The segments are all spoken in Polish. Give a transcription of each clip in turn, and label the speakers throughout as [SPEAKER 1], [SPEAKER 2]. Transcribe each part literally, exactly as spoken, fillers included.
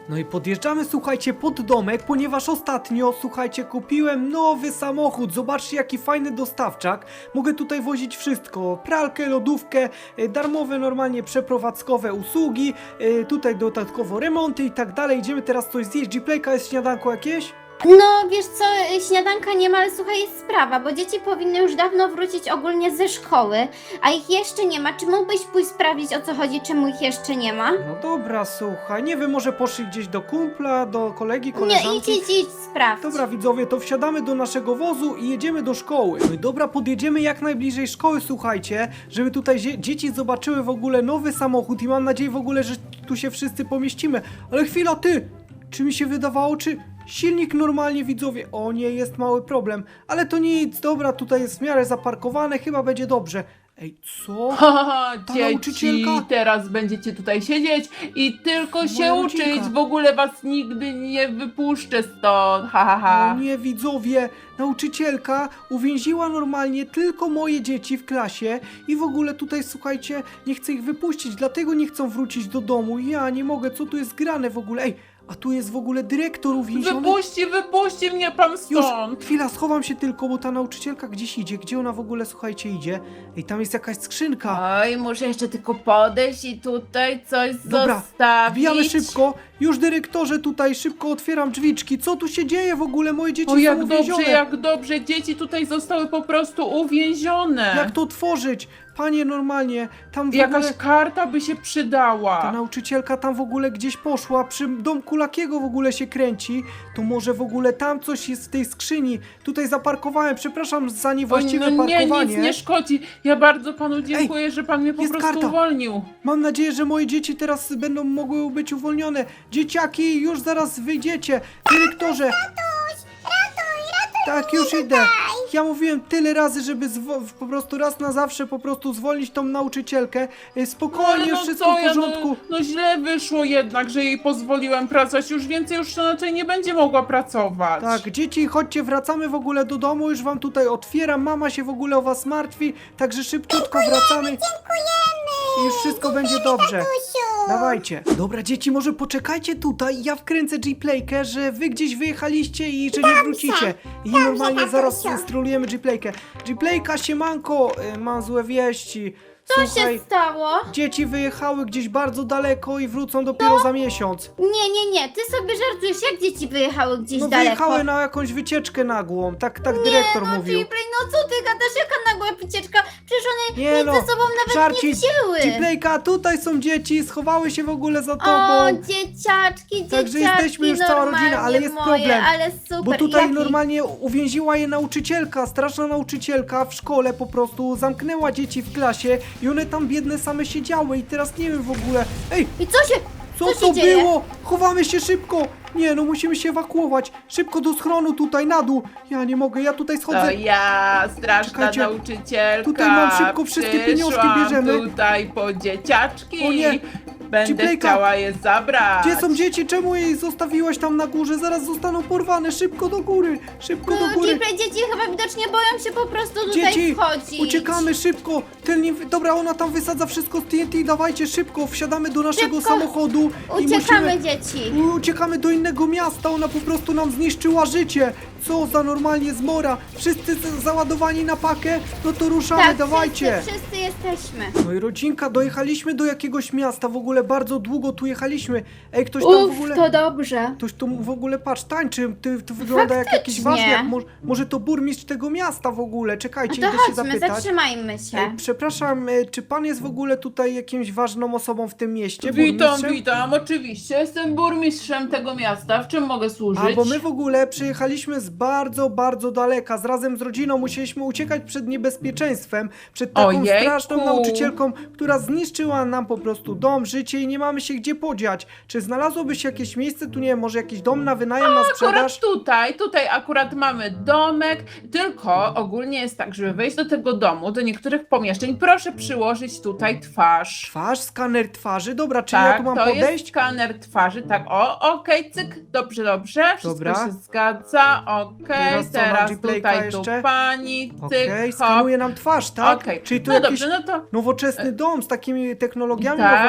[SPEAKER 1] No i podjeżdżamy, słuchajcie, pod domek, ponieważ ostatnio, słuchajcie, kupiłem nowy samochód. Zobaczcie, jaki fajny dostawczak. Mogę tutaj wozić wszystko. Pralkę, lodówkę, y, darmowe normalnie przeprowadzkowe usługi, y, tutaj dodatkowo remonty i tak dalej. Idziemy teraz coś zjeść. Gplayka, jest śniadanko jakieś?
[SPEAKER 2] No wiesz co, śniadanka nie ma, ale słuchaj, jest sprawa, bo dzieci powinny już dawno wrócić ogólnie ze szkoły, a ich jeszcze nie ma. Czy mógłbyś pójść sprawdzić, o co chodzi, czemu ich jeszcze nie ma?
[SPEAKER 1] No dobra, słuchaj, nie wiem, może poszli gdzieś do kumpla, do kolegi,
[SPEAKER 2] Nie,
[SPEAKER 1] koleżanki?
[SPEAKER 2] idź, idź, idź, sprawdź.
[SPEAKER 1] Dobra widzowie, to wsiadamy do naszego wozu i jedziemy do szkoły. No i dobra, podjedziemy jak najbliżej szkoły, słuchajcie, żeby tutaj zie- dzieci zobaczyły w ogóle nowy samochód i mam nadzieję w ogóle, że tu się wszyscy pomieścimy. Ale chwila, ty! Czy mi się wydawało, czy silnik normalnie, widzowie? O nie, jest mały problem, ale to nic, dobra, tutaj jest w miarę zaparkowane, chyba będzie dobrze. Ej, co?
[SPEAKER 3] Haha,
[SPEAKER 1] Ta
[SPEAKER 3] dzieci,
[SPEAKER 1] nauczycielka?
[SPEAKER 3] teraz będziecie tutaj siedzieć i tylko się
[SPEAKER 1] Moja
[SPEAKER 3] uczyć,
[SPEAKER 1] rodzinka.
[SPEAKER 3] w ogóle was nigdy nie wypuszczę stąd, ha, ha, ha.
[SPEAKER 1] O nie, widzowie, nauczycielka uwięziła normalnie tylko moje dzieci w klasie i w ogóle tutaj, słuchajcie, nie chce ich wypuścić, dlatego nie chcą wrócić do domu. Ja nie mogę, co tu jest grane w ogóle? Ej, a tu jest w ogóle dyrektor uwięziony.
[SPEAKER 3] Wypuści, wypuści mnie pan
[SPEAKER 1] Już,
[SPEAKER 3] stąd.
[SPEAKER 1] chwila, schowam się tylko, bo ta nauczycielka gdzieś idzie. Gdzie ona w ogóle, słuchajcie, idzie? Ej, tam jest jakaś skrzynka.
[SPEAKER 3] Oj, muszę jeszcze tylko podejść i tutaj coś
[SPEAKER 1] Dobra,
[SPEAKER 3] zostawić.
[SPEAKER 1] wbijamy szybko. Już dyrektorze tutaj, szybko otwieram drzwiczki. Co tu się dzieje w ogóle? Moje dzieci
[SPEAKER 3] O,
[SPEAKER 1] są
[SPEAKER 3] jak
[SPEAKER 1] uwięzione.
[SPEAKER 3] dobrze, jak dobrze, dzieci tutaj zostały po prostu uwięzione.
[SPEAKER 1] Jak to otworzyć? Panie, normalnie, tam w
[SPEAKER 3] Jakaś
[SPEAKER 1] ogóle...
[SPEAKER 3] karta by się przydała.
[SPEAKER 1] Ta nauczycielka tam w ogóle gdzieś poszła, przy domku Lakiego w ogóle się kręci, to może w ogóle tam coś jest w tej skrzyni. Tutaj zaparkowałem, przepraszam za
[SPEAKER 3] Oj,
[SPEAKER 1] niewłaściwe
[SPEAKER 3] no nie,
[SPEAKER 1] parkowanie.
[SPEAKER 3] nic nie szkodzi. Ja bardzo panu dziękuję, że pan mnie po
[SPEAKER 1] jest
[SPEAKER 3] prostu
[SPEAKER 1] karta.
[SPEAKER 3] uwolnił.
[SPEAKER 1] Mam nadzieję, że moje dzieci teraz będą mogły być uwolnione. Dzieciaki, już zaraz wyjdziecie. Dyrektorze. Ratuj, ratuj, ratuj. Tak, już idę. Ja mówiłem tyle razy, żeby zwo- po prostu raz na zawsze po prostu zwolnić tą nauczycielkę. E, Spokojnie,
[SPEAKER 3] no
[SPEAKER 1] wszystko w
[SPEAKER 3] ja,
[SPEAKER 1] porządku.
[SPEAKER 3] no, no źle wyszło jednak, że jej pozwoliłem pracować. Już więcej już raczej nie będzie mogła pracować.
[SPEAKER 1] Tak, dzieci, chodźcie, wracamy w ogóle do domu, już wam tutaj otwieram, mama się w ogóle o was martwi, także szybciutko wracamy. Dziękujemy! I już wszystko będzie dobrze. Dawajcie. Dobra, dzieci, może poczekajcie tutaj, ja wkręcę G-Playkę, że wy gdzieś wyjechaliście i że nie wrócicie. I normalnie zaraz strolujemy G-Playkę. G-Playka, siemanko, y, mam złe wieści.
[SPEAKER 2] Co
[SPEAKER 1] Słuchaj,
[SPEAKER 2] się stało?
[SPEAKER 1] dzieci wyjechały gdzieś bardzo daleko i wrócą dopiero za miesiąc.
[SPEAKER 2] Nie, nie, nie, ty sobie żartujesz, jak dzieci wyjechały gdzieś
[SPEAKER 1] No
[SPEAKER 2] daleko?
[SPEAKER 1] wyjechały na jakąś wycieczkę nagłą, tak, tak dyrektor
[SPEAKER 2] no,
[SPEAKER 1] mówił.
[SPEAKER 2] Gplay, no co ty gadasz, jaka nagła wycieczka? Przecież one
[SPEAKER 1] Nie
[SPEAKER 2] nic
[SPEAKER 1] no,
[SPEAKER 2] ze sobą nawet
[SPEAKER 1] żarcik.
[SPEAKER 2] nie wzięły.
[SPEAKER 1] G-Playka, tutaj są dzieci, schowały się w ogóle za
[SPEAKER 2] O,
[SPEAKER 1] tobą.
[SPEAKER 2] dzieciaczki, dzieciaczki,
[SPEAKER 1] Także jesteśmy już cała rodzina, ale jest
[SPEAKER 2] normalnie moje,
[SPEAKER 1] problem,
[SPEAKER 2] ale super.
[SPEAKER 1] Bo tutaj
[SPEAKER 2] Jaki?
[SPEAKER 1] normalnie uwięziła je nauczycielka, straszna nauczycielka w szkole po prostu, zamknęła dzieci w klasie i one tam biedne same siedziały i teraz nie wiem w ogóle. Ej,
[SPEAKER 2] I co się,
[SPEAKER 1] co,
[SPEAKER 2] co
[SPEAKER 1] to
[SPEAKER 2] się dzieje?
[SPEAKER 1] było? Chowamy się szybko! Nie no, musimy się ewakuować. Szybko do schronu tutaj, na dół. Ja nie mogę, ja tutaj schodzę.
[SPEAKER 3] To ja, straszna
[SPEAKER 1] Czekajcie,
[SPEAKER 3] nauczycielka.
[SPEAKER 1] tutaj mam szybko wszystkie pieniążki,
[SPEAKER 3] Przyszłam
[SPEAKER 1] bierzemy.
[SPEAKER 3] tutaj po dzieciaczki.
[SPEAKER 1] O nie,
[SPEAKER 3] Będę
[SPEAKER 1] G-Playka.
[SPEAKER 3] chciała je zabrać.
[SPEAKER 1] Gdzie są dzieci? Czemu jej zostawiłaś tam na górze? Zaraz zostaną porwane. Szybko do góry, szybko do
[SPEAKER 2] No,
[SPEAKER 1] góry.
[SPEAKER 2] Gplay, dzieci chyba widocznie boją się po prostu tutaj
[SPEAKER 1] Dzieci,
[SPEAKER 2] wchodzić.
[SPEAKER 1] uciekamy szybko. Tylnie, dobra, ona tam wysadza wszystko z T N T. Dawajcie szybko, wsiadamy do naszego
[SPEAKER 2] Szybko.
[SPEAKER 1] samochodu i
[SPEAKER 2] Uciekamy,
[SPEAKER 1] musimy...
[SPEAKER 2] dzieci.
[SPEAKER 1] Uciekamy do innego miasta, ona po prostu nam zniszczyła życie. Co za normalnie zmora. Wszyscy z- załadowani na pakę? No to ruszamy,
[SPEAKER 2] Tak,
[SPEAKER 1] dawajcie.
[SPEAKER 2] wszyscy, wszyscy jesteśmy.
[SPEAKER 1] No i rodzinka, dojechaliśmy do jakiegoś miasta, w ogóle bardzo długo tu jechaliśmy. Ej, ktoś tam w
[SPEAKER 2] Uff,
[SPEAKER 1] ogóle...
[SPEAKER 2] to dobrze.
[SPEAKER 1] Ktoś tu w ogóle, patrz, tańczy, ty, to wygląda jak jakiś
[SPEAKER 2] Faktycznie.
[SPEAKER 1] ważny, jak mo może to burmistrz tego miasta w ogóle,
[SPEAKER 2] No
[SPEAKER 1] czekajcie,
[SPEAKER 2] to
[SPEAKER 1] idę się
[SPEAKER 2] chodźmy,
[SPEAKER 1] zapytać.
[SPEAKER 2] zatrzymajmy się.
[SPEAKER 1] Ej, przepraszam, e, czy pan jest w ogóle tutaj jakimś ważną osobą w tym mieście?
[SPEAKER 3] Witam,
[SPEAKER 1] burmistrzem?
[SPEAKER 3] witam, oczywiście. Jestem burmistrzem tego miasta. W czym mogę służyć?
[SPEAKER 1] A, bo my w ogóle przyjechaliśmy z bardzo, bardzo daleka. Z razem z rodziną musieliśmy uciekać przed niebezpieczeństwem, przed taką
[SPEAKER 3] Ojejku.
[SPEAKER 1] straszną nauczycielką, która zniszczyła nam po prostu dom, życie i nie mamy się gdzie podziać. Czy znalazłoby się jakieś miejsce, tu nie wiem, może jakiś dom na wynajem, na sprzedaż?
[SPEAKER 3] Akurat tutaj, tutaj akurat mamy domek, tylko ogólnie jest tak, żeby wejść do tego domu, do niektórych pomieszczeń, proszę przyłożyć tutaj twarz.
[SPEAKER 1] Twarz, skaner twarzy, dobra, czyli ja
[SPEAKER 3] Tak,
[SPEAKER 1] tu mam
[SPEAKER 3] to
[SPEAKER 1] podejść?
[SPEAKER 3] jest skaner twarzy, tak, o, okej, cyk, dobrze, dobrze, wszystko
[SPEAKER 1] Dobra.
[SPEAKER 3] się zgadza, okej,
[SPEAKER 1] Teraz co, mam
[SPEAKER 3] teraz
[SPEAKER 1] G-Playka
[SPEAKER 3] tutaj tu
[SPEAKER 1] jeszcze?
[SPEAKER 3] pani, cyk,
[SPEAKER 1] Okej,
[SPEAKER 3] hop,
[SPEAKER 1] skanuje nam twarz, tak?
[SPEAKER 3] okej,
[SPEAKER 1] Czyli tu
[SPEAKER 3] no
[SPEAKER 1] jakiś
[SPEAKER 3] dobrze, no to...
[SPEAKER 1] nowoczesny dom z takimi technologiami
[SPEAKER 3] Tak,
[SPEAKER 1] nowoczesnymi.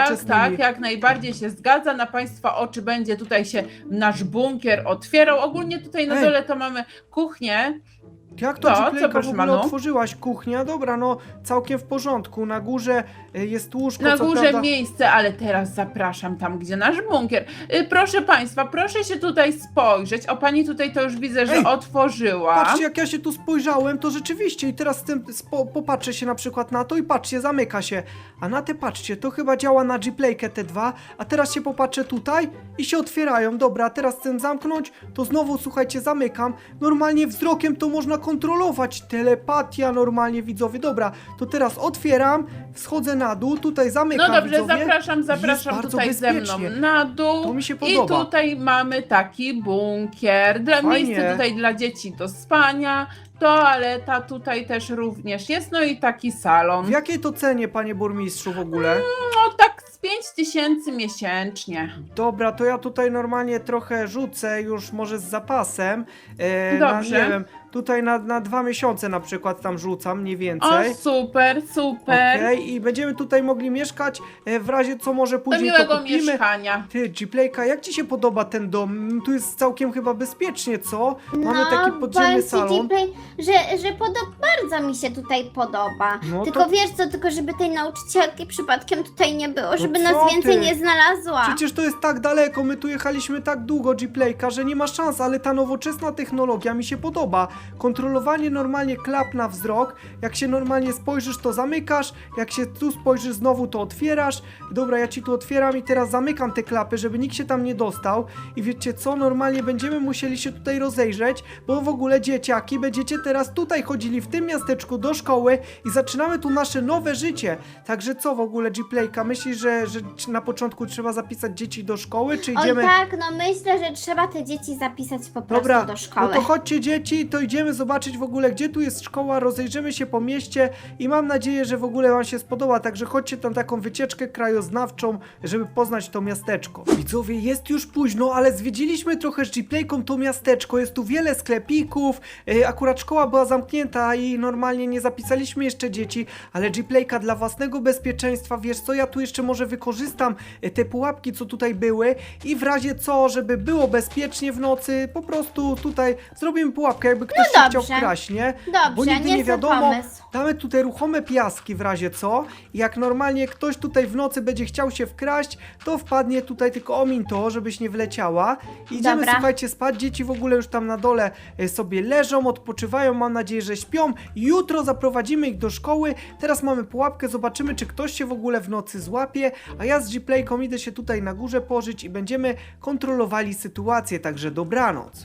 [SPEAKER 3] Tak, jak najbardziej się zgadza. Na Państwa oczy będzie tutaj się nasz bunkier otwierał. Ogólnie tutaj na
[SPEAKER 1] Ej.
[SPEAKER 3] dole to mamy kuchnię.
[SPEAKER 1] Jak to,
[SPEAKER 3] To, co,
[SPEAKER 1] Gplayka, w
[SPEAKER 3] proszę
[SPEAKER 1] ogóle
[SPEAKER 3] panu?
[SPEAKER 1] otworzyłaś kuchnia? Dobra, no całkiem w porządku. Na górze y, jest łóżko,
[SPEAKER 3] Na
[SPEAKER 1] co
[SPEAKER 3] górze
[SPEAKER 1] prawda...
[SPEAKER 3] miejsce, ale teraz zapraszam tam, gdzie nasz bunkier. Y, Proszę Państwa, proszę się tutaj spojrzeć. O, Pani tutaj to już widzę, że
[SPEAKER 1] Ej,
[SPEAKER 3] otworzyła.
[SPEAKER 1] Patrzcie, jak ja się tu spojrzałem, to rzeczywiście i teraz z tym spo, popatrzę się na przykład na to i patrzcie, zamyka się. A na te patrzcie, to chyba działa na Gplaykę te dwa, a teraz się popatrzę tutaj i się otwierają. Dobra, a teraz chcę zamknąć, to znowu, słuchajcie, zamykam. Normalnie wzrokiem to można kontrolować. Telepatia normalnie, widzowie. Dobra, to teraz otwieram, schodzę na dół, tutaj zamykam,
[SPEAKER 3] No dobrze,
[SPEAKER 1] widzowie.
[SPEAKER 3] zapraszam,
[SPEAKER 1] Jest
[SPEAKER 3] zapraszam
[SPEAKER 1] bardzo
[SPEAKER 3] tutaj ze mną
[SPEAKER 1] bezpiecznie.
[SPEAKER 3] na dół.
[SPEAKER 1] To mi się
[SPEAKER 3] I
[SPEAKER 1] podoba.
[SPEAKER 3] tutaj mamy taki bunkier. Dla,
[SPEAKER 1] Fajnie.
[SPEAKER 3] miejsce tutaj dla dzieci do spania. Toaleta tutaj też również jest. No i taki salon.
[SPEAKER 1] W jakiej to cenie, panie burmistrzu, w ogóle?
[SPEAKER 3] No tak z pięć tysięcy miesięcznie.
[SPEAKER 1] Dobra, to ja tutaj normalnie trochę rzucę już może z zapasem. E,
[SPEAKER 3] Dobrze.
[SPEAKER 1] Na, nie wiem, tutaj na, na dwa miesiące na przykład tam rzucam, mniej
[SPEAKER 3] O,
[SPEAKER 1] więcej.
[SPEAKER 3] super, super.
[SPEAKER 1] Okej, i będziemy tutaj mogli mieszkać, e, w razie co może
[SPEAKER 3] Do
[SPEAKER 1] później to
[SPEAKER 3] miłego
[SPEAKER 1] kupimy.
[SPEAKER 3] mieszkania.
[SPEAKER 1] Ty, Gplayka, jak ci się podoba ten dom? Mm, Tu jest całkiem chyba bezpiecznie, co? Mamy
[SPEAKER 2] no,
[SPEAKER 1] taki podziemny
[SPEAKER 2] powiem ci,
[SPEAKER 1] salon.
[SPEAKER 2] Gplay, że, że podo- bardzo mi się tutaj podoba.
[SPEAKER 1] No
[SPEAKER 2] tylko
[SPEAKER 1] to-
[SPEAKER 2] wiesz co, tylko żeby tej nauczycielki przypadkiem tutaj nie było, żeby
[SPEAKER 1] No co
[SPEAKER 2] nas więcej
[SPEAKER 1] ty?
[SPEAKER 2] nie znalazła.
[SPEAKER 1] Przecież to jest tak daleko, my tu jechaliśmy tak długo, Gplayka, że nie ma szans, ale ta nowoczesna technologia mi się podoba. Kontrolowanie normalnie klap na wzrok, jak się normalnie spojrzysz, to zamykasz, jak się tu spojrzysz znowu, to otwierasz. Dobra, ja ci tu otwieram i teraz zamykam te klapy, żeby nikt się tam nie dostał. I wiecie co, normalnie będziemy musieli się tutaj rozejrzeć, bo w ogóle dzieciaki, będziecie teraz tutaj chodzili w tym miasteczku do szkoły i zaczynamy tu nasze nowe życie. Także co w ogóle, Gplayka, myślisz, że, że na początku trzeba zapisać dzieci do szkoły, czy
[SPEAKER 2] Oj
[SPEAKER 1] idziemy...
[SPEAKER 2] tak, no myślę, że trzeba te dzieci zapisać po prostu
[SPEAKER 1] Dobra,
[SPEAKER 2] do szkoły.
[SPEAKER 1] no to chodźcie dzieci, to idziemy zobaczyć w ogóle, gdzie tu jest szkoła, rozejrzymy się po mieście i mam nadzieję, że w ogóle wam się spodoba, także chodźcie tam taką wycieczkę krajoznawczą, żeby poznać to miasteczko. Widzowie, jest już późno, ale zwiedziliśmy trochę z Gplayką to miasteczko, jest tu wiele sklepików, yy, akurat szkoła była zamknięta i normalnie nie zapisaliśmy jeszcze dzieci, ale Gplayka dla własnego bezpieczeństwa, wiesz co, ja tu jeszcze może wykorzystam yy, te pułapki, co tutaj były i w razie co, żeby było bezpiecznie w nocy, po prostu tutaj zrobimy pułapkę, jakby ktoś się chciał
[SPEAKER 2] dobrze.
[SPEAKER 1] wkraść, nie?
[SPEAKER 2] Dobrze,
[SPEAKER 1] Bo nigdy
[SPEAKER 2] nie
[SPEAKER 1] nie
[SPEAKER 2] zły
[SPEAKER 1] wiadomo.
[SPEAKER 2] pomysł.
[SPEAKER 1] Damy tutaj ruchome piaski w razie co. I jak normalnie ktoś tutaj w nocy będzie chciał się wkraść, to wpadnie tutaj, tylko omin to, żebyś nie wleciała. Idziemy,
[SPEAKER 2] Dobra.
[SPEAKER 1] słuchajcie, spać. Dzieci w ogóle już tam na dole e, sobie leżą, odpoczywają, mam nadzieję, że śpią. Jutro zaprowadzimy ich do szkoły. Teraz mamy pułapkę, zobaczymy, czy ktoś się w ogóle w nocy złapie. A ja z Gplayką idę się tutaj na górze pożyć i będziemy kontrolowali sytuację, także dobranoc.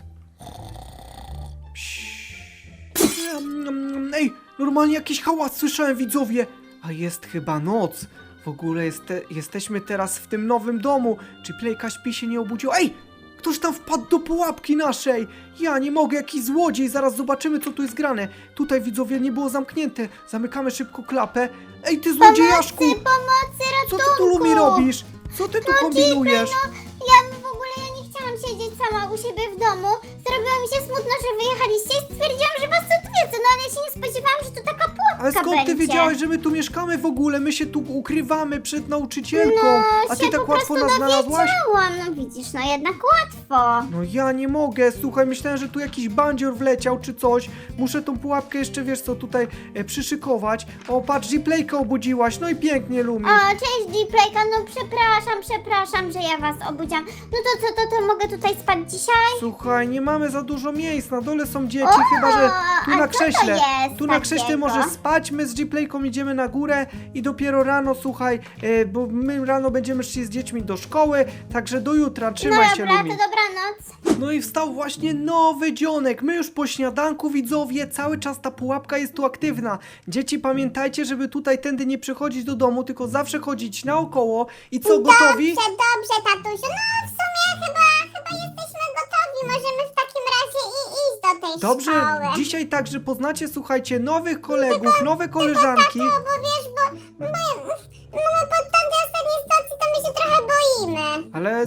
[SPEAKER 1] Ej, normalnie jakiś hałas słyszałem, widzowie. A jest chyba noc. W ogóle jest te, jesteśmy teraz w tym nowym domu. Czy Playka śpi, się nie obudził? Ej, ktoś tam wpadł do pułapki naszej. Ja nie mogę, jakiś złodziej. Zaraz zobaczymy, co tu jest grane. Tutaj, widzowie, nie było zamknięte. Zamykamy szybko klapę. Ej, ty złodziejaszku!
[SPEAKER 2] Pomocy,
[SPEAKER 1] Co ty tu, Lumi, robisz? Co ty tu kombinujesz?
[SPEAKER 2] Ja w ogóle ja nie chciałam siedzieć sama u siebie w domu. Zrobiło mi się smutno, że wyjechaliście i stwierdziłam, że was odwiedzę. No ale ja się nie spodziewałam, że tu taka pułapka
[SPEAKER 1] Ale skąd ty
[SPEAKER 2] będzie.
[SPEAKER 1] wiedziałeś, że my tu mieszkamy w ogóle? My się tu ukrywamy przed nauczycielką. A ty
[SPEAKER 2] się
[SPEAKER 1] tak
[SPEAKER 2] po
[SPEAKER 1] łatwo
[SPEAKER 2] prostu
[SPEAKER 1] nas znalazłaś?
[SPEAKER 2] dowiedziałam. No widzisz, no jednak łatwo.
[SPEAKER 1] No ja nie mogę, słuchaj, myślałem, że tu jakiś bandzior wleciał czy coś. Muszę tą pułapkę jeszcze, wiesz co, tutaj e, przyszykować. O, patrz, Gplaykę obudziłaś, no i pięknie, Lumi.
[SPEAKER 2] O, cześć Gplayka, no przepraszam, przepraszam, że ja was obudziłam. No to co, to, to mogę tutaj spać dzisiaj?
[SPEAKER 1] Słuchaj, nie mamy za dużo miejsc, na dole są dzieci,
[SPEAKER 2] O,
[SPEAKER 1] chyba że tu
[SPEAKER 2] a
[SPEAKER 1] na
[SPEAKER 2] co to
[SPEAKER 1] krześle.
[SPEAKER 2] jest
[SPEAKER 1] Tu na krześle
[SPEAKER 2] takiego?
[SPEAKER 1] możesz spać, my z Gplayką idziemy na górę i dopiero rano, słuchaj, e, bo my rano będziemy szli z dziećmi do szkoły, także do jutra,
[SPEAKER 2] No
[SPEAKER 1] trzymaj się,
[SPEAKER 2] dobra,
[SPEAKER 1] Lumi.
[SPEAKER 2] to dobranoc.
[SPEAKER 1] No i wstał właśnie nowy dzionek. My już po śniadanku, widzowie, cały czas ta pułapka jest tu aktywna. Dzieci, pamiętajcie, żeby tutaj tędy nie przychodzić do domu, tylko zawsze chodzić naokoło. I co, gotowi?
[SPEAKER 2] Dobrze, dobrze, tatusiu. No w sumie chyba, chyba jesteśmy gotowi. Możemy w takim razie i iść do tej
[SPEAKER 1] Dobrze,
[SPEAKER 2] szkoły.
[SPEAKER 1] dzisiaj także poznacie, słuchajcie, nowych kolegów, nowe koleżanki.
[SPEAKER 2] No bo wiesz, bo, bo no, po tamtej ostatniej stacji to my się trochę boimy.
[SPEAKER 1] Ale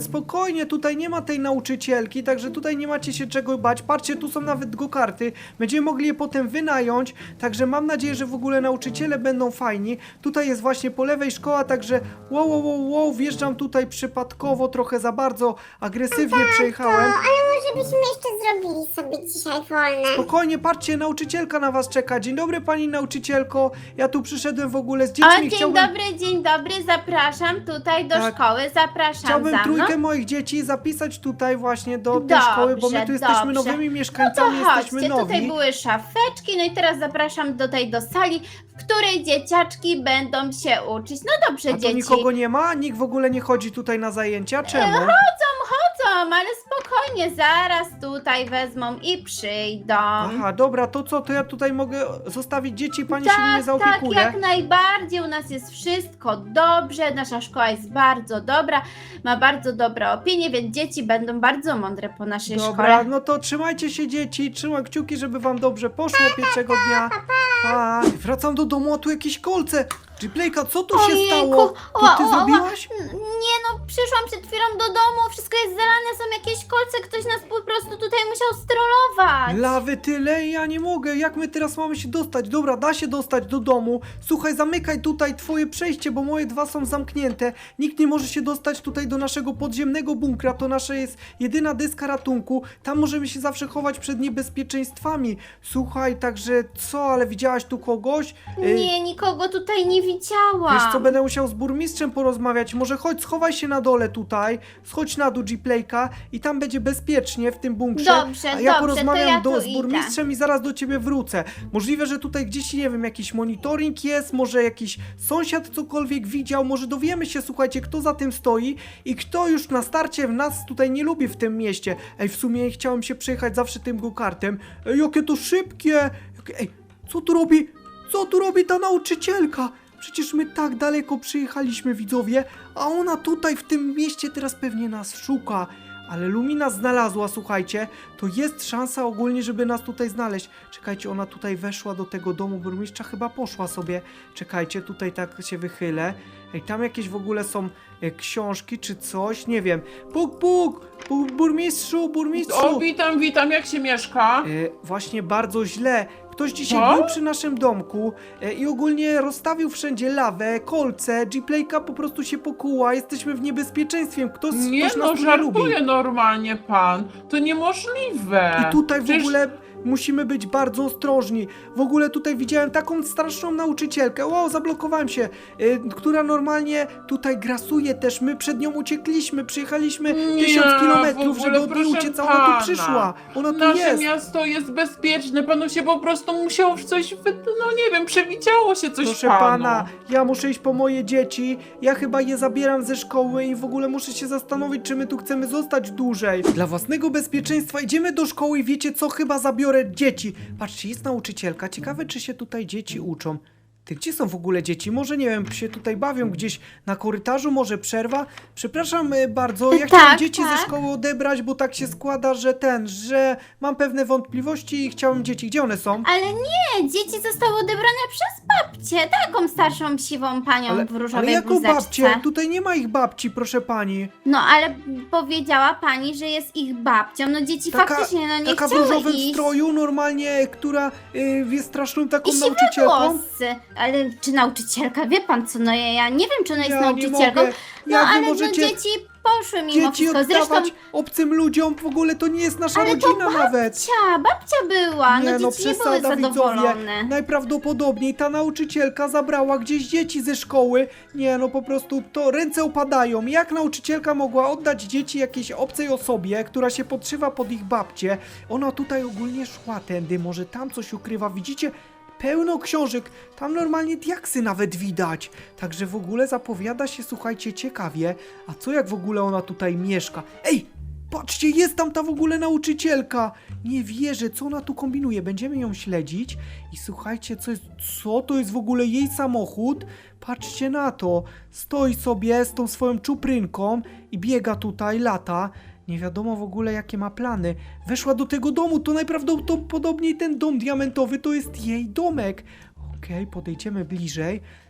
[SPEAKER 1] spokojnie, tutaj nie ma tej nauczycielki, także tutaj nie macie się czego bać. Patrzcie, tu są nawet go-karty, będziemy mogli je potem wynająć, także mam nadzieję, że w ogóle nauczyciele będą fajni. Tutaj jest właśnie po lewej szkoła, także wow, wow, wow, wow, wjeżdżam tutaj przypadkowo, trochę za bardzo agresywnie przejechałem.
[SPEAKER 4] Ale może byśmy jeszcze zrobili sobie dzisiaj wolne.
[SPEAKER 1] Spokojnie, patrzcie, nauczycielka na was czeka. Dzień dobry, pani nauczycielko. Ja tu przyszedłem w ogóle z
[SPEAKER 2] O,
[SPEAKER 1] dziećmi.
[SPEAKER 2] dzień
[SPEAKER 1] Chciałbym,
[SPEAKER 2] dobry, dzień dobry, zapraszam tutaj do
[SPEAKER 1] Tak.
[SPEAKER 2] szkoły, zapraszam
[SPEAKER 1] chciałbym
[SPEAKER 2] za mną.
[SPEAKER 1] trójkę moich dzieci zapisać tutaj właśnie do tej
[SPEAKER 2] Dobrze,
[SPEAKER 1] szkoły, bo my tu jesteśmy
[SPEAKER 2] dobrze.
[SPEAKER 1] nowymi
[SPEAKER 2] No to
[SPEAKER 1] mieszkańcami, jesteśmy
[SPEAKER 2] chodźcie, tutaj
[SPEAKER 1] nowi.
[SPEAKER 2] były szafeczki, no i teraz zapraszam tutaj do sali, w której dzieciaczki będą się uczyć. No dobrze,
[SPEAKER 1] A tu
[SPEAKER 2] dzieci.
[SPEAKER 1] nikogo nie ma? Nikt w ogóle nie chodzi tutaj na zajęcia? Czemu?
[SPEAKER 2] Chodzą, chodzą, ale spokojnie, zaraz tutaj wezmą i przyjdą.
[SPEAKER 1] Aha, dobra, to co, to ja tutaj mogę zostawić dzieci, pani się nimi
[SPEAKER 2] Tak, tak,
[SPEAKER 1] zaopiekuje?
[SPEAKER 2] jak najbardziej. U nas jest wszystko dobrze. Nasza szkoła jest bardzo dobra, ma bardzo dobre opinie, więc dzieci będą bardzo mądre po naszej
[SPEAKER 1] Dobra,
[SPEAKER 2] szkole.
[SPEAKER 1] no to trzymajcie się dzieci, trzymam kciuki, żeby wam dobrze poszło pierwszego dnia. Pa. Wracam do domu, a tu jakieś kolce. Gplayka, co tu się
[SPEAKER 2] Ojejku,
[SPEAKER 1] stało? To
[SPEAKER 2] ła,
[SPEAKER 1] ty
[SPEAKER 2] ła, ła.
[SPEAKER 1] zrobiłaś?
[SPEAKER 2] Nie no, przyszłam przed chwilą do domu, wszystko jest zalane, są jakieś kolce, ktoś nas po prostu tutaj musiał strollować.
[SPEAKER 1] Lawy tyle, ja nie mogę. Jak my teraz mamy się dostać? Dobra, da się dostać do domu. Słuchaj, zamykaj tutaj twoje przejście, bo moje dwa są zamknięte. Nikt nie może się dostać tutaj do naszego podziemnego bunkra. To nasza jest jedyna deska ratunku. Tam możemy się zawsze chować przed niebezpieczeństwami. Słuchaj, także co, ale widziałaś tu kogoś? Y,
[SPEAKER 2] Nie, nikogo tutaj nie widziałam.
[SPEAKER 1] Wiesz co, będę musiał z burmistrzem porozmawiać. Może chodź, schowaj się na dole tutaj. Schodź na dół Gplayka i tam będzie bezpiecznie w tym bunkrze.
[SPEAKER 2] Dobrze,
[SPEAKER 1] A ja
[SPEAKER 2] dobrze,
[SPEAKER 1] porozmawiam
[SPEAKER 2] to ja
[SPEAKER 1] do,
[SPEAKER 2] tu
[SPEAKER 1] z
[SPEAKER 2] idę.
[SPEAKER 1] burmistrzem i zaraz do ciebie wrócę. Możliwe, że tutaj gdzieś, nie wiem, jakiś monitoring jest, może jakiś sąsiad cokolwiek widział, może dowiemy się, słuchajcie, kto za tym stoi i kto już na starcie nas tutaj nie lubi w tym mieście. Ej, w sumie chciałem się przejechać zawsze tym go-kartem. Ej, jakie to szybkie! Jakie- Ej, co tu robi? Co tu robi ta nauczycielka? Przecież my tak daleko przyjechaliśmy, widzowie, a ona tutaj w tym mieście teraz pewnie nas szuka. Ale Lumina znalazła, słuchajcie, to jest szansa ogólnie, żeby nas tutaj znaleźć. Czekajcie, ona tutaj weszła do tego domu burmistrza, chyba poszła sobie. Czekajcie, tutaj tak się wychylę. Ej, tam jakieś w ogóle są e, książki czy coś, nie wiem. Puk, puk, puk burmistrzu, burmistrzu.
[SPEAKER 3] O, witam, witam, jak się mieszka?
[SPEAKER 1] E, właśnie bardzo źle. Ktoś dzisiaj
[SPEAKER 3] Co?
[SPEAKER 1] był przy naszym domku e, i ogólnie rozstawił wszędzie lawę, kolce, Gplayka po prostu się pokuła, jesteśmy w niebezpieczeństwie, ktoś,
[SPEAKER 3] Nie
[SPEAKER 1] ktoś nas
[SPEAKER 3] no,
[SPEAKER 1] tu nie lubi.
[SPEAKER 3] żartuje normalnie pan. To niemożliwe.
[SPEAKER 1] I tutaj w
[SPEAKER 3] Przecież-
[SPEAKER 1] ogóle musimy być bardzo ostrożni. W ogóle tutaj widziałem taką straszną nauczycielkę, wow, zablokowałem się, y, która normalnie tutaj grasuje też. My przed nią uciekliśmy, przyjechaliśmy
[SPEAKER 3] Nie,
[SPEAKER 1] tysiąc
[SPEAKER 3] w
[SPEAKER 1] kilometrów,
[SPEAKER 3] ogóle,
[SPEAKER 1] żeby od niej
[SPEAKER 3] proszę
[SPEAKER 1] uciec, a ona
[SPEAKER 3] pana.
[SPEAKER 1] tu przyszła. Ona tu
[SPEAKER 3] Nasze
[SPEAKER 1] jest.
[SPEAKER 3] miasto jest bezpieczne, panu się po prostu musiało w coś, wy... no nie wiem, przewidziało się coś
[SPEAKER 1] Proszę
[SPEAKER 3] panu.
[SPEAKER 1] pana, ja muszę iść po moje dzieci, ja chyba je zabieram ze szkoły i w ogóle muszę się zastanowić, czy my tu chcemy zostać dłużej. Dla własnego bezpieczeństwa idziemy do szkoły i wiecie co, chyba zabiorę dzieci. Patrzcie, jest nauczycielka, ciekawe czy się tutaj dzieci uczą. Ty, gdzie są w ogóle dzieci? Może, nie wiem, się tutaj bawią gdzieś na korytarzu, może przerwa? Przepraszam e, bardzo, ja
[SPEAKER 2] Tak,
[SPEAKER 1] chciałem dzieci
[SPEAKER 2] tak.
[SPEAKER 1] ze szkoły odebrać, bo tak się składa, że ten, że mam pewne wątpliwości i chciałem dzieci. Gdzie one są?
[SPEAKER 2] Ale nie, dzieci zostały odebrane przez babcię, taką starszą siwą panią
[SPEAKER 1] Ale,
[SPEAKER 2] w różowej
[SPEAKER 1] ale jaką
[SPEAKER 2] bluzeczce.
[SPEAKER 1] babcię? Tutaj nie ma ich babci, proszę pani.
[SPEAKER 2] No ale powiedziała pani, że jest ich babcią, no dzieci faktycznie no nie
[SPEAKER 1] taka w
[SPEAKER 2] chciały
[SPEAKER 1] różowym
[SPEAKER 2] iść.
[SPEAKER 1] stroju, normalnie, która y, jest straszną taką
[SPEAKER 2] I siwe
[SPEAKER 1] nauczycielką.
[SPEAKER 2] włosy. Ale czy nauczycielka? Wie pan co, no ja, ja nie wiem, czy ona jest
[SPEAKER 1] Ja nie
[SPEAKER 2] nauczycielką.
[SPEAKER 1] mogę.
[SPEAKER 2] No
[SPEAKER 1] Jak wy
[SPEAKER 2] ale
[SPEAKER 1] możecie
[SPEAKER 2] no dzieci poszły mimo
[SPEAKER 1] dzieci
[SPEAKER 2] wszystko. Zresztą
[SPEAKER 1] oddawać obcym ludziom? W ogóle to nie jest nasza
[SPEAKER 2] Ale to
[SPEAKER 1] rodzina nawet.
[SPEAKER 2] babcia, babcia była,
[SPEAKER 1] Nie,
[SPEAKER 2] no
[SPEAKER 1] no
[SPEAKER 2] dzieci nie były
[SPEAKER 1] przesada, widzowie.
[SPEAKER 2] zadowolone.
[SPEAKER 1] Najprawdopodobniej ta nauczycielka zabrała gdzieś dzieci ze szkoły. Nie, no po prostu to ręce opadają. Jak nauczycielka mogła oddać dzieci jakiejś obcej osobie, która się podszywa pod ich babcię? Ona tutaj ogólnie szła tędy, może tam coś ukrywa, widzicie? Pełno książek, tam normalnie diaksy nawet widać. Także w ogóle zapowiada się, słuchajcie, ciekawie. A co jak w ogóle ona tutaj mieszka? Ej! Patrzcie, jest tam ta w ogóle nauczycielka! Nie wierzę, co ona tu kombinuje. Będziemy ją śledzić i słuchajcie, co jest, co to jest w ogóle jej samochód? Patrzcie na to. Stoi sobie z tą swoją czuprynką i biega tutaj, lata. Nie wiadomo w ogóle, jakie ma plany. Weszła do tego domu, to najprawdopodobniej ten dom diamentowy to jest jej domek. Okej, podejdziemy bliżej.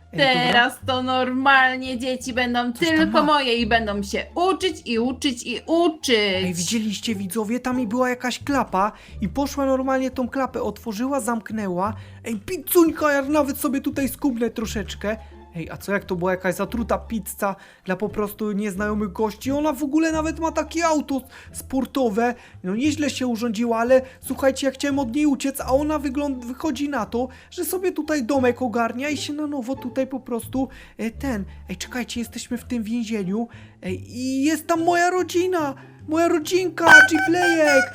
[SPEAKER 1] Ej, dobra.
[SPEAKER 3] Teraz to normalnie dzieci będą
[SPEAKER 1] Coś tam
[SPEAKER 3] tylko
[SPEAKER 1] ma.
[SPEAKER 3] moje i będą się uczyć i uczyć i uczyć.
[SPEAKER 1] Ej, widzieliście widzowie, tam i była jakaś klapa i poszła normalnie tą klapę, otworzyła, zamknęła. Ej, pizzuńka, ja nawet sobie tutaj skubnę troszeczkę. Ej, a co jak to była jakaś zatruta pizza dla po prostu nieznajomych gości? Ona w ogóle nawet ma takie auto sportowe. No nieźle się urządziła, ale słuchajcie, ja chciałem od niej uciec, a ona wygląda, wychodzi na to, że sobie tutaj domek ogarnia i się na nowo tutaj po prostu e, ten... Ej, czekajcie, jesteśmy w tym więzieniu. Ej, i jest tam moja rodzina! Moja rodzinka, G-Playek!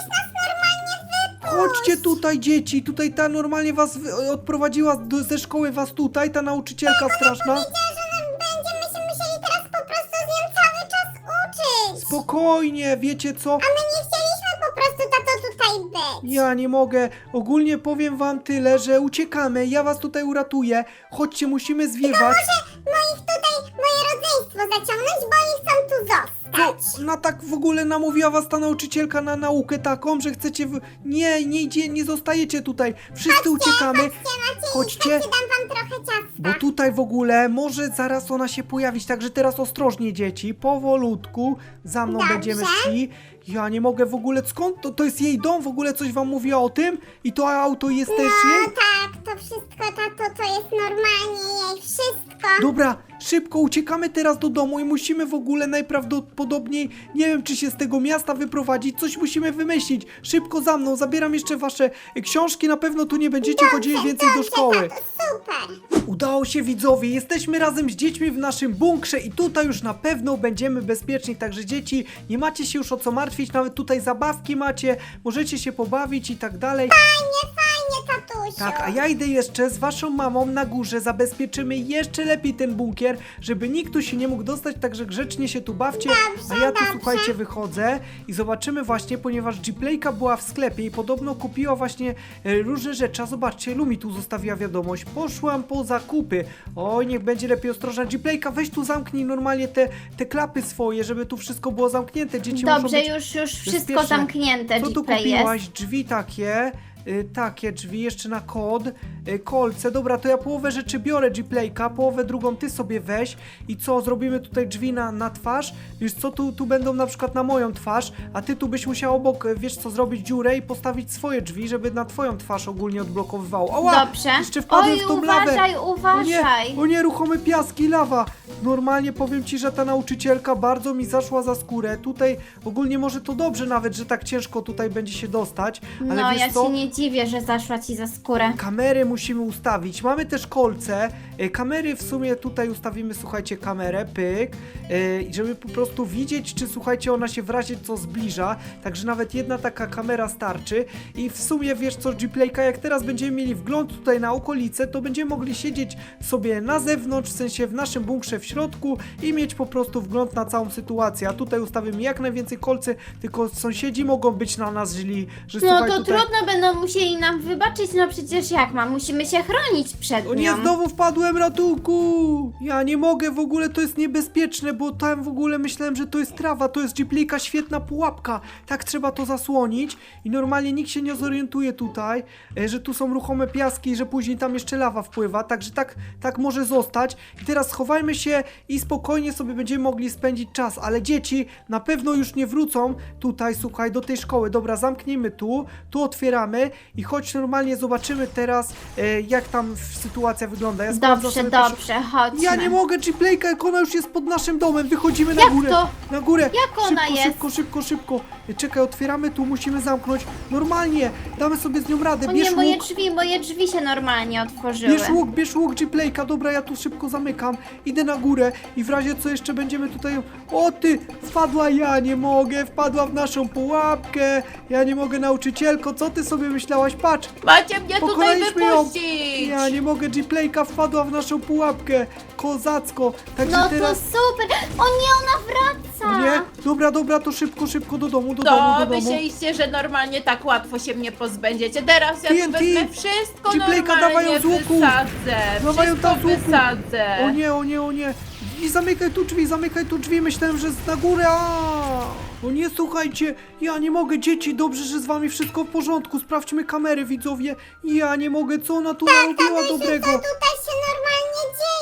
[SPEAKER 1] Chodźcie tutaj, dzieci, tutaj ta normalnie was wy- odprowadziła do, ze szkoły was tutaj, ta nauczycielka straszna.
[SPEAKER 4] Będziemy się musieli teraz po prostu z nią cały czas uczyć.
[SPEAKER 1] Spokojnie, wiecie co?
[SPEAKER 4] A my nie chcieliśmy po prostu, tato, tutaj być.
[SPEAKER 1] Ja nie mogę, ogólnie powiem wam tyle, że uciekamy, ja was tutaj uratuję. Chodźcie, musimy zwiewać.
[SPEAKER 4] Moich tutaj, moje rodzeństwo zaciągnąć, bo oni chcą tu zostać.
[SPEAKER 1] Co? Na tak w ogóle namówiła was ta nauczycielka na naukę taką, że chcecie... W... Nie, nie idzie, nie zostajecie tutaj. Wszyscy uciekamy.
[SPEAKER 4] Macie,
[SPEAKER 1] Chodźcie.
[SPEAKER 4] Chodźcie, dam wam trochę ciasta.
[SPEAKER 1] Bo tutaj w ogóle może zaraz ona się pojawić, także teraz ostrożnie dzieci, powolutku, za mną
[SPEAKER 4] Dobrze.
[SPEAKER 1] będziemy szli. Ja nie mogę w ogóle, skąd to, to jest jej dom, w ogóle coś wam mówiła o tym? I to auto jest też
[SPEAKER 4] No
[SPEAKER 1] jej?
[SPEAKER 4] tak, to wszystko, tato, to jest normalnie jej wszystko.
[SPEAKER 1] Dobra, szybko uciekamy teraz do domu i musimy w ogóle najprawdopodobniej, nie wiem czy się z tego miasta wyprowadzić, coś musimy wymyślić. Szybko za mną, zabieram jeszcze wasze książki, na pewno tu nie będziecie chodzili więcej do szkoły.
[SPEAKER 4] Tato, super.
[SPEAKER 1] Udało się widzowie, jesteśmy razem z dziećmi w naszym bunkrze i tutaj już na pewno będziemy bezpieczni, także dzieci, nie macie się już o co martwić, nawet tutaj zabawki macie, możecie się pobawić i tak dalej.
[SPEAKER 4] Fajnie, fajnie, tatusiu.
[SPEAKER 1] Tak, a ja idę jeszcze z waszą mamą na górze, zabezpieczymy jeszcze lepiej ten bunkier, żeby nikt tu się nie mógł dostać, także grzecznie się tu bawcie,
[SPEAKER 4] Dobrze,
[SPEAKER 1] a ja tu
[SPEAKER 4] dobrze.
[SPEAKER 1] słuchajcie wychodzę i zobaczymy właśnie, ponieważ G-Playka była w sklepie i podobno kupiła właśnie e, różne rzeczy, a zobaczcie, Lumi tu zostawiła wiadomość, poszłam po zakupy, oj niech będzie lepiej ostrożna, G-Playka weź tu zamknij normalnie te, te klapy swoje, żeby tu wszystko było zamknięte, dzieci muszą
[SPEAKER 2] Dobrze,
[SPEAKER 1] być
[SPEAKER 2] już, już wszystko
[SPEAKER 1] bezpieczne.
[SPEAKER 2] zamknięte,
[SPEAKER 1] Co tu
[SPEAKER 2] G-Play
[SPEAKER 1] kupiłaś?
[SPEAKER 2] jest.
[SPEAKER 1] Drzwi takie, y, takie drzwi, jeszcze na kod, y, kolce, dobra, to ja połowę rzeczy biorę G-Playka, połowę drugą ty sobie weź i co, zrobimy tutaj drzwi na, na twarz, wiesz co, tu, tu będą na przykład na moją twarz, a ty tu byś musiał obok, y, wiesz co, zrobić dziurę i postawić swoje drzwi, żeby na twoją twarz ogólnie odblokowywało. Ała,
[SPEAKER 2] Dobrze.
[SPEAKER 1] jeszcze wpadłem
[SPEAKER 2] Oj,
[SPEAKER 1] w tą lawę.
[SPEAKER 2] uważaj,
[SPEAKER 1] O
[SPEAKER 2] uważaj.
[SPEAKER 1] nie, o nie, ruchome piaski, lawa. Normalnie powiem ci, że ta nauczycielka bardzo mi zaszła za skórę. Tutaj ogólnie może to dobrze nawet, że tak ciężko tutaj będzie się dostać, ale
[SPEAKER 2] No,
[SPEAKER 1] wiesz
[SPEAKER 2] ja
[SPEAKER 1] co?
[SPEAKER 2] się nie dziwię, że zaszła ci za skórę.
[SPEAKER 1] Kamery musimy ustawić. Mamy też kolce. E, Kamery w sumie tutaj ustawimy, słuchajcie, kamerę, pyk, e, i żeby po prostu widzieć, czy słuchajcie, ona się w razie co zbliża. Także nawet jedna taka kamera starczy. I w sumie wiesz co, G-Playka, jak teraz będziemy mieli wgląd tutaj na okolice, to będziemy mogli siedzieć sobie na zewnątrz, w sensie w naszym bunkrze w środku i mieć po prostu wgląd na całą sytuację. A tutaj ustawimy jak najwięcej kolcy, tylko sąsiedzi mogą być na nas źli, że
[SPEAKER 2] No
[SPEAKER 1] słuchaj
[SPEAKER 2] to
[SPEAKER 1] tutaj...
[SPEAKER 2] trudno, będą musieli nam wybaczyć, no przecież jak ma, musimy się chronić przed
[SPEAKER 1] O nie,
[SPEAKER 2] nią.
[SPEAKER 1] znowu wpadłem, ratunku! Ja nie mogę, w ogóle to jest niebezpieczne, bo tam w ogóle myślałem, że to jest trawa, to jest G-Playka, świetna pułapka. Tak trzeba to zasłonić i normalnie nikt się nie zorientuje tutaj, e, że tu są ruchome piaski i że później tam jeszcze lawa wpływa, także tak, tak może zostać. I teraz schowajmy się i spokojnie sobie będziemy mogli spędzić czas, ale dzieci na pewno już nie wrócą tutaj, słuchaj, do tej szkoły. Dobra, zamknijmy tu, tu otwieramy i chodź normalnie zobaczymy teraz, e, jak tam sytuacja wygląda. Ja sprawdzę
[SPEAKER 2] Dobrze,
[SPEAKER 1] sobie pierwszy-
[SPEAKER 2] dobrze, chodźmy.
[SPEAKER 1] Ja nie mogę, G-Playka, jak ona już jest pod naszym domem, wychodzimy na
[SPEAKER 2] Jak
[SPEAKER 1] górę.
[SPEAKER 2] to?
[SPEAKER 1] Na górę.
[SPEAKER 2] Jak ona
[SPEAKER 1] szybko,
[SPEAKER 2] jest?
[SPEAKER 1] Szybko, szybko, szybko. Czekaj, otwieramy tu, musimy zamknąć. Normalnie, damy sobie z nią radę.
[SPEAKER 2] O
[SPEAKER 1] Bierz
[SPEAKER 2] nie, moje
[SPEAKER 1] łuk,
[SPEAKER 2] drzwi, moje drzwi się normalnie otworzyły.
[SPEAKER 1] bierz łuk, bierz łuk, G-Playka. Dobra, ja tu szybko zamykam. Idę na górę i w razie co jeszcze będziemy tutaj... O ty, wpadła, ja nie mogę, wpadła w naszą pułapkę. Ja nie mogę, nauczycielko, co ty sobie myślałaś? Patrz,
[SPEAKER 3] Macie mnie tutaj
[SPEAKER 1] pokonaliśmy ją.
[SPEAKER 3] wypuścić!
[SPEAKER 1] Ja nie mogę, G-Playka wpadła w naszą pułapkę. Kozacko. Także
[SPEAKER 2] No to
[SPEAKER 1] teraz...
[SPEAKER 2] super. O nie, ona wraca.
[SPEAKER 1] Nie? Dobra, dobra, to szybko, szybko do domu, do domu,
[SPEAKER 3] To
[SPEAKER 1] do domu.
[SPEAKER 3] myśleliście, że normalnie tak łatwo się mnie pozbędziecie. Teraz ja
[SPEAKER 1] T
[SPEAKER 3] tu
[SPEAKER 1] N T.
[SPEAKER 3] wezmę wszystko
[SPEAKER 1] G-Playka, dawaj ją
[SPEAKER 3] normalnie
[SPEAKER 1] z łuku.
[SPEAKER 3] wysadzę.
[SPEAKER 1] Dawaj ją
[SPEAKER 3] Wszystko
[SPEAKER 1] tam z łuku.
[SPEAKER 3] wysadzę.
[SPEAKER 1] O nie, o nie, o nie. I zamykaj tu drzwi, zamykaj tu drzwi, myślałem, że jest na górę, a O nie, słuchajcie, ja nie mogę, dzieci, dobrze, że z wami wszystko w porządku, sprawdźmy kamery, widzowie. Ja nie mogę, co ona tu narobiła dobrego.
[SPEAKER 4] Co tutaj się normalnie dzieje?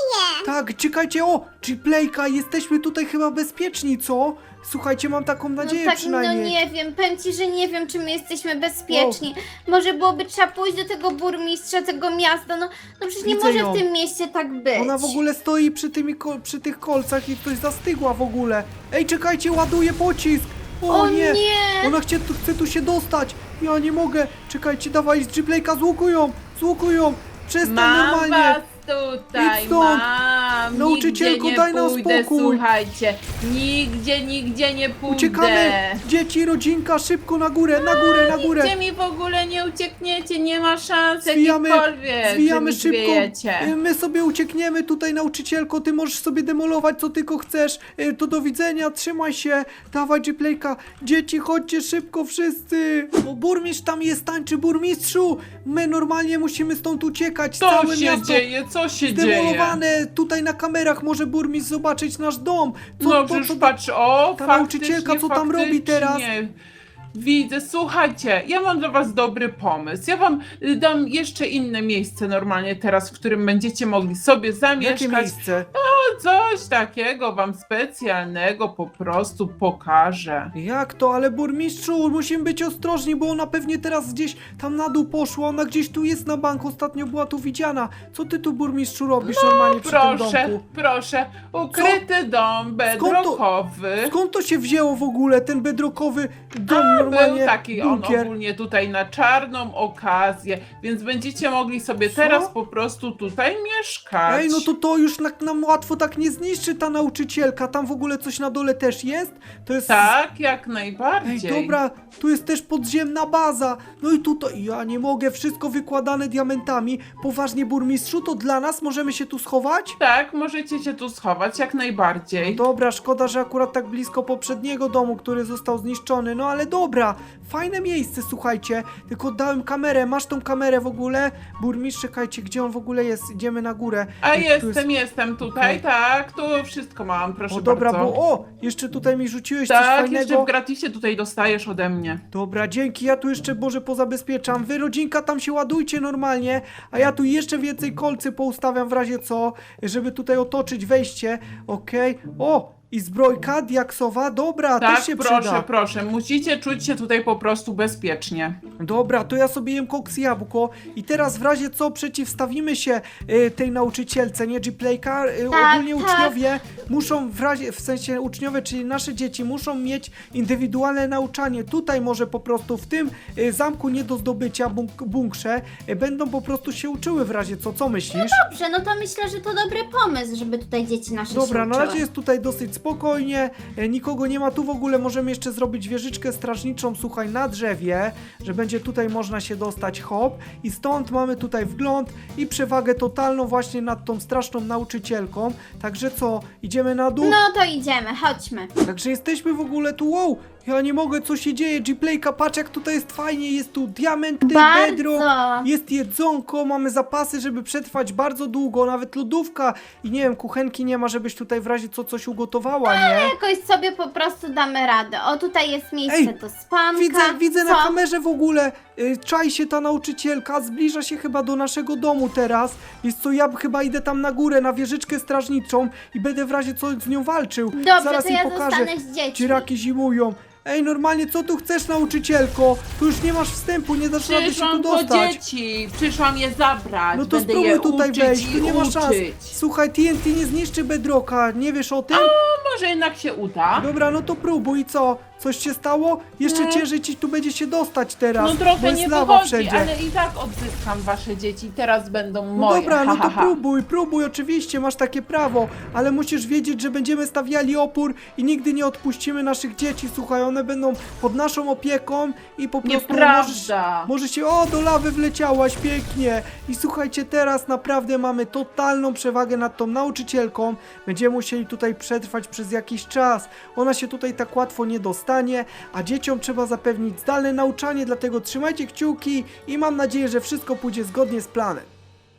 [SPEAKER 1] Tak, czekajcie, o, G-Playka, jesteśmy tutaj chyba bezpieczni, co? Słuchajcie, mam taką
[SPEAKER 2] No
[SPEAKER 1] nadzieję
[SPEAKER 2] tak,
[SPEAKER 1] przynajmniej.
[SPEAKER 2] no nie wiem, powiem ci, że nie wiem, czy my jesteśmy bezpieczni. Może byłoby trzeba pójść do tego burmistrza tego miasta, no, no przecież nie
[SPEAKER 1] Widzę
[SPEAKER 2] może
[SPEAKER 1] ją.
[SPEAKER 2] w tym mieście tak być.
[SPEAKER 1] Ona w ogóle stoi przy, tymi, ko- przy tych kolcach i ktoś zastygła w ogóle. Ej, czekajcie, ładuje pocisk. O,
[SPEAKER 2] O
[SPEAKER 1] nie.
[SPEAKER 2] nie!
[SPEAKER 1] Ona chce, tu- chce tu się dostać. Ja nie mogę. Czekajcie, dawaj, z G-Playka złukują, złukują. Przestań
[SPEAKER 3] Mam
[SPEAKER 1] normalnie.
[SPEAKER 3] was tutaj,
[SPEAKER 1] Idź stąd.
[SPEAKER 3] mam.
[SPEAKER 1] Nauczycielko,
[SPEAKER 3] nigdzie nie
[SPEAKER 1] daj nam
[SPEAKER 3] pójdę,
[SPEAKER 1] spokój.
[SPEAKER 3] słuchajcie. Nigdzie, nigdzie nie pójdę.
[SPEAKER 1] Uciekamy. Dzieci, rodzinka, szybko na górę, na górę, na górę.
[SPEAKER 3] Nigdzie mi w ogóle nie uciekniecie, nie ma szans
[SPEAKER 1] Zwijamy,
[SPEAKER 3] jakichkolwiek,
[SPEAKER 1] zwijamy
[SPEAKER 3] że mi
[SPEAKER 1] szybko.
[SPEAKER 3] zwiejecie.
[SPEAKER 1] Y, My sobie uciekniemy tutaj, nauczycielko. Ty możesz sobie demolować co tylko chcesz. Y, To do widzenia, trzymaj się. Dawaj, G-Playka. Dzieci, chodźcie szybko wszyscy. O, burmistrz tam jest, tańczy burmistrzu. My normalnie musimy stąd uciekać.
[SPEAKER 3] Co
[SPEAKER 1] Całe
[SPEAKER 3] się
[SPEAKER 1] miasto
[SPEAKER 3] dzieje, co się dzieje?
[SPEAKER 1] zdemolowane. Tutaj na kamerach może burmistrz zobaczyć nasz dom. Co,
[SPEAKER 3] No
[SPEAKER 1] po
[SPEAKER 3] już
[SPEAKER 1] co-
[SPEAKER 3] patrz, o,
[SPEAKER 1] ta
[SPEAKER 3] faktycznie,
[SPEAKER 1] nauczycielka, co tam robi teraz?
[SPEAKER 3] faktycznie. Widzę, słuchajcie, ja mam dla was dobry pomysł. Ja wam y, dam jeszcze inne miejsce normalnie teraz, w którym będziecie mogli sobie
[SPEAKER 1] Jakie
[SPEAKER 3] zamieszkać.
[SPEAKER 1] miejsce?
[SPEAKER 3] No, coś takiego wam specjalnego po prostu pokażę.
[SPEAKER 1] Jak to? Ale burmistrzu, musimy być ostrożni, bo ona pewnie teraz gdzieś tam na dół poszła. Ona gdzieś tu jest na bank, ostatnio była tu widziana. Co ty tu, burmistrzu, robisz normalnie przy tym
[SPEAKER 3] Proszę,
[SPEAKER 1] domku?
[SPEAKER 3] proszę, ukryty dom bedrockowy.
[SPEAKER 1] Skąd to się wzięło w ogóle, ten bedrockowy dom
[SPEAKER 3] A,
[SPEAKER 1] normalnie?
[SPEAKER 3] był taki on
[SPEAKER 1] bunkier?
[SPEAKER 3] ogólnie tutaj na czarną okazję, więc będziecie mogli sobie
[SPEAKER 1] Co?
[SPEAKER 3] teraz po prostu tutaj mieszkać.
[SPEAKER 1] Ej, no to to już na, nam łatwo tak nie zniszczy ta nauczycielka. Tam w ogóle coś na dole też jest? To jest...
[SPEAKER 3] Tak, jak
[SPEAKER 1] Ej,
[SPEAKER 3] najbardziej.
[SPEAKER 1] dobra, tu jest też podziemna baza. No i tutaj, ja nie mogę, wszystko wykładane diamentami. Poważnie, burmistrzu, to dla nas możemy się tu schować?
[SPEAKER 3] Tak, możecie się tu schować, jak najbardziej.
[SPEAKER 1] Dobra, szkoda, że akurat tak blisko poprzedniego domu, który został zniszczony, no ale dobra, fajne miejsce, słuchajcie, tylko dałem kamerę, masz tą kamerę w ogóle? Burmistrz, czekajcie, gdzie on w ogóle jest? Idziemy na górę.
[SPEAKER 3] A
[SPEAKER 1] Ej, tu
[SPEAKER 3] jestem, jestem tutaj,
[SPEAKER 1] Okej.
[SPEAKER 3] tak, tu wszystko mam, proszę
[SPEAKER 1] O dobra,
[SPEAKER 3] bardzo.
[SPEAKER 1] bo o, jeszcze tutaj mi rzuciłeś coś
[SPEAKER 3] Tak, jeszcze
[SPEAKER 1] fajnego.
[SPEAKER 3] w gratisie tutaj dostajesz ode mnie.
[SPEAKER 1] Dobra, dzięki, ja tu jeszcze Boże pozabezpieczam. Wy rodzinka tam się ładujcie normalnie, a ja tu jeszcze więcej kolcy poustawiam w razie co, żeby tutaj otoczyć wejście. Okej, o, i zbrojka diaksowa, dobra,
[SPEAKER 3] Tak,
[SPEAKER 1] też się
[SPEAKER 3] proszę,
[SPEAKER 1] przyda.
[SPEAKER 3] proszę, musicie czuć się tutaj po prostu bezpiecznie.
[SPEAKER 1] Dobra, to ja sobie jem koks i jabłko i teraz w razie co przeciwstawimy się y, tej nauczycielce, nie G-Playka, y,
[SPEAKER 2] Tak,
[SPEAKER 1] ogólnie
[SPEAKER 2] tak.
[SPEAKER 1] uczniowie muszą w razie, w sensie uczniowie, czyli nasze dzieci muszą mieć indywidualne nauczanie. Tutaj może po prostu w tym y, zamku nie do zdobycia, bunk bunkrze, y, będą po prostu się uczyły w razie co, co myślisz?
[SPEAKER 2] Dobrze, no to myślę, że to dobry pomysł, żeby tutaj dzieci nasze
[SPEAKER 1] Dobra,
[SPEAKER 2] się
[SPEAKER 1] na
[SPEAKER 2] uczyły.
[SPEAKER 1] razie jest tutaj dosyć spokojnie, e, nikogo nie ma, tu w ogóle możemy jeszcze zrobić wieżyczkę strażniczą, słuchaj, na drzewie, że będzie tutaj można się dostać, hop, i stąd mamy tutaj wgląd i przewagę totalną właśnie nad tą straszną nauczycielką, także co, idziemy na dół?
[SPEAKER 2] No to idziemy, chodźmy.
[SPEAKER 1] Także jesteśmy w ogóle tu, wow, ja nie mogę, co się dzieje, G-Playka, patrz jak tutaj jest fajnie, jest tu diamenty, bedrock,
[SPEAKER 2] Bardzo.
[SPEAKER 1] jest jedzonko, mamy zapasy, żeby przetrwać bardzo długo, nawet lodówka i nie wiem, kuchenki nie ma, żebyś tutaj w razie co coś ugotowała, nie?
[SPEAKER 2] Jakoś sobie po prostu damy radę. O, tutaj jest miejsce
[SPEAKER 1] Ej,
[SPEAKER 2] do spanka.
[SPEAKER 1] Widzę, widzę
[SPEAKER 2] Co?
[SPEAKER 1] na kamerze w ogóle, y, czai się ta nauczycielka, zbliża się chyba do naszego domu teraz. Jest co, ja chyba idę tam na górę, na wieżyczkę strażniczą i będę w razie co z nią walczył.
[SPEAKER 2] Dobrze,
[SPEAKER 1] Zaraz
[SPEAKER 2] to
[SPEAKER 1] jej
[SPEAKER 2] ja
[SPEAKER 1] pokażę.
[SPEAKER 2] zostanę z dziećmi.
[SPEAKER 1] Dziraki zimują. Ej, normalnie, co tu chcesz, nauczycielko? Tu już nie masz wstępu, nie dasz rady się tu
[SPEAKER 3] Przyszłam po
[SPEAKER 1] dostać.
[SPEAKER 3] dzieci, przyszłam je zabrać,
[SPEAKER 1] No to
[SPEAKER 3] będę
[SPEAKER 1] spróbuj
[SPEAKER 3] je
[SPEAKER 1] tutaj
[SPEAKER 3] uczyć
[SPEAKER 1] wejść,
[SPEAKER 3] i
[SPEAKER 1] tu nie ma szans.
[SPEAKER 3] uczyć.
[SPEAKER 1] Słuchaj, T N T nie zniszczy bedrocka, nie wiesz o tym?
[SPEAKER 3] No może jednak się uda.
[SPEAKER 1] Dobra, no to próbuj, i co? Coś się stało? Jeszcze
[SPEAKER 3] Nie.
[SPEAKER 1] ciężej ci tu będzie się dostać teraz,
[SPEAKER 3] No
[SPEAKER 1] bo
[SPEAKER 3] trochę
[SPEAKER 1] jest
[SPEAKER 3] nie
[SPEAKER 1] lawa
[SPEAKER 3] wychodzi,
[SPEAKER 1] wszędzie.
[SPEAKER 3] ale i tak odzyskam wasze dzieci, teraz będą
[SPEAKER 1] No
[SPEAKER 3] moje.
[SPEAKER 1] dobra,
[SPEAKER 3] ha,
[SPEAKER 1] no
[SPEAKER 3] ha,
[SPEAKER 1] to
[SPEAKER 3] ha.
[SPEAKER 1] próbuj, próbuj, oczywiście, masz takie prawo, ale musisz wiedzieć, że będziemy stawiali opór i nigdy nie odpuścimy naszych dzieci, słuchaj, one będą pod naszą opieką i po prostu możesz,
[SPEAKER 3] Nieprawda.
[SPEAKER 1] może się, o, do lawy wleciałaś, pięknie. I słuchajcie, teraz naprawdę mamy totalną przewagę nad tą nauczycielką, będziemy musieli tutaj przetrwać przez jakiś czas, ona się tutaj tak łatwo nie dostanie, a dzieciom trzeba zapewnić zdalne nauczanie, dlatego trzymajcie kciuki i mam nadzieję, że wszystko pójdzie zgodnie z planem.